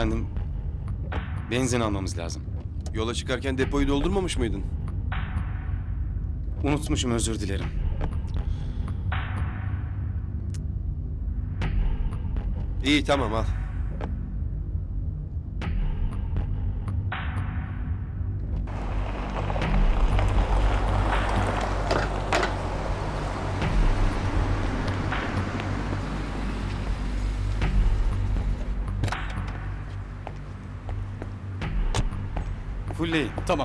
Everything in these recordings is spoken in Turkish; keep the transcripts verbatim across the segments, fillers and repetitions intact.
Efendim, benzin almamız lazım. Yola çıkarken depoyu doldurmamış mıydın? Unutmuşum, özür dilerim. İyi tamam al. Fullleyin. Tamam.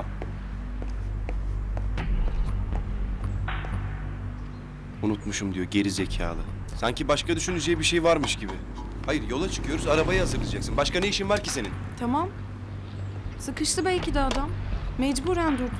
Unutmuşum diyor geri zekalı. Sanki başka düşüneceği bir şey varmış gibi. Hayır yola çıkıyoruz arabayı hazırlayacaksın. Başka ne işin var ki senin? Tamam. Sıkıştı belki de adam. Mecburen durdu.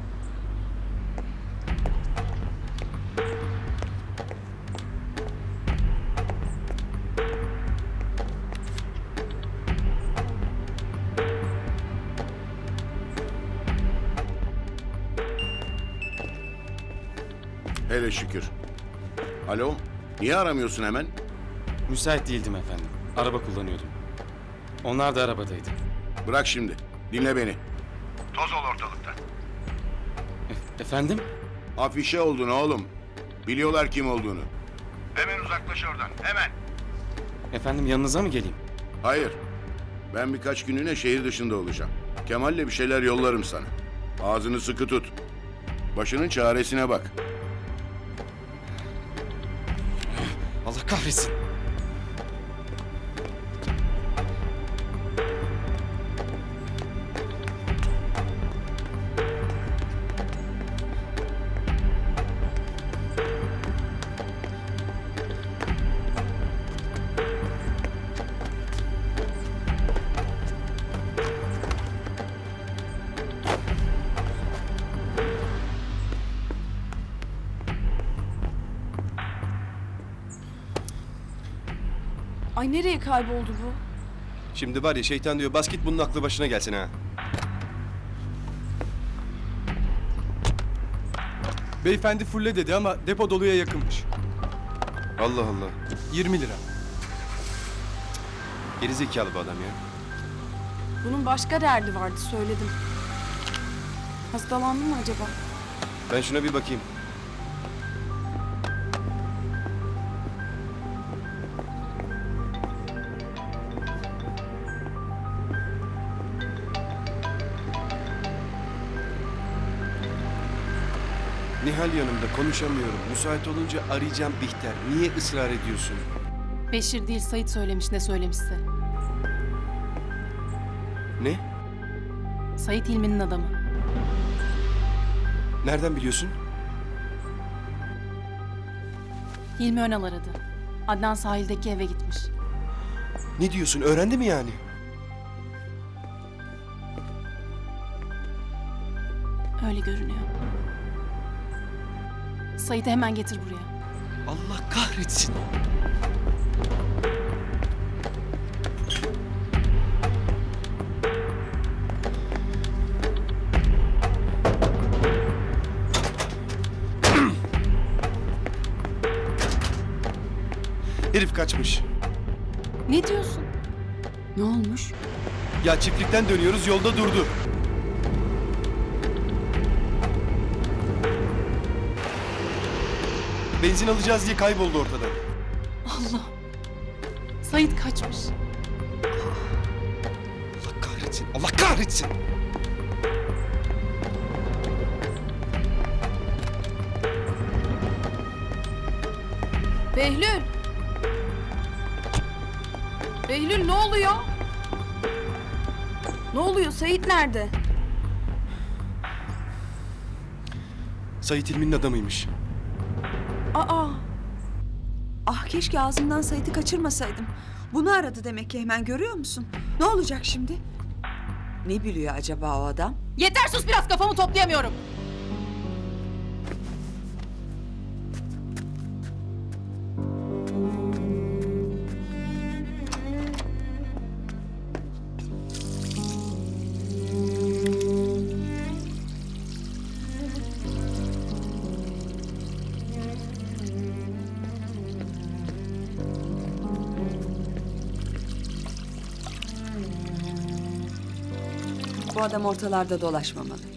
Hele şükür. Alo, niye aramıyorsun hemen? Müsait değildim efendim. Araba kullanıyordum. Onlar da arabadaydı. Bırak şimdi, dinle beni. Toz ol ortalıkta. E- efendim? Afişe oldun oğlum. Biliyorlar kim olduğunu. Hemen uzaklaş oradan, hemen. Efendim, yanınıza mı geleyim? Hayır, ben birkaç günlüğüne şehir dışında olacağım. Kemal'le bir şeyler yollarım sana. Ağzını sıkı tut. Başının çaresine bak. Allah kahretsin. Ay, nereye kayboldu bu? Şimdi var ya şeytan diyor bas git bunun aklı başına gelsin ha. Beyefendi fulle dedi ama depo doluya yakınmış. Allah Allah. yirmi lira. Geri zekalı bu adam ya. Bunun başka derdi vardı, söyledim. Hastalandı mı acaba? Ben şuna bir bakayım. Nihal yanımda konuşamıyorum. Müsait olunca arayacağım Bihter. Niye ısrar ediyorsun? Beşir değil, Sait söylemiş ne söylemişse. Ne? Sait Hilmi'nin adamı. Nereden biliyorsun? Hilmi Önal aradı. Adnan sahildeki eve gitmiş. Ne diyorsun? Öğrendi mi yani? Öyle görünüyor. Sait'i hemen getir buraya. Allah kahretsin. Herif kaçmış. Ne diyorsun? Ne olmuş? Ya çiftlikten dönüyoruz yolda durdu. Benzin alacağız diye kayboldu ortadan. Allah! Sait kaçmış. Allah kahretsin. Allah kahretsin. Behlül! Behlül, ne oluyor? Ne oluyor? Sait nerede? Sait İlmi'nin adamıymış. Aa! Ah, keşke ağzımdan Sait'i kaçırmasaydım. Bunu aradı demek ki, hemen görüyor musun? Ne olacak şimdi? Ne biliyor acaba o adam? Yeter sus biraz, kafamı toplayamıyorum. Bu adam ortalarda dolaşmamalı.